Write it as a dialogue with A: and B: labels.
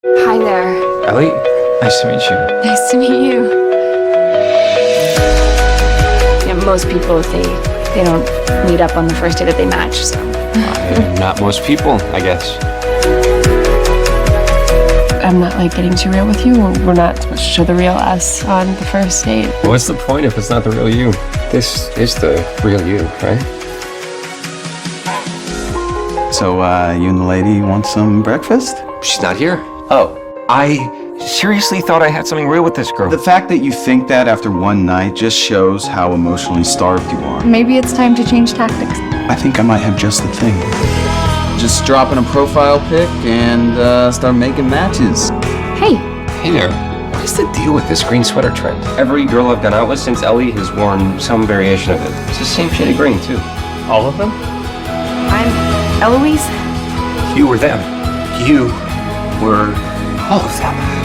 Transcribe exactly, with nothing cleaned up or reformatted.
A: Hi there.
B: Ellie, nice to meet you.
A: Nice to meet you. You know, most people, they they don't meet up on the first day that they match, so.
B: Uh, not most people, I guess.
C: I'm not like getting too real with you. We're not supposed to show the real us on the first date.
B: What's the point if it's not the real you? This is the real you, right?
D: So, uh, you and the lady want some breakfast?
B: She's not here.
D: Oh.
B: I seriously thought I had something real with this girl.
D: The fact that you think that after one night just shows how emotionally starved you are.
A: Maybe it's time to change tactics.
D: I think I might have just the thing. Just drop in a profile pic and uh, start making matches.
A: Hey,
B: Hey there. What is the deal with this green sweater trend? Every girl I've gone out with since Ellie has worn some variation of it. It's the same shade of green, too. All of them?
A: I'm Eloise.
B: You were them. You were all of them.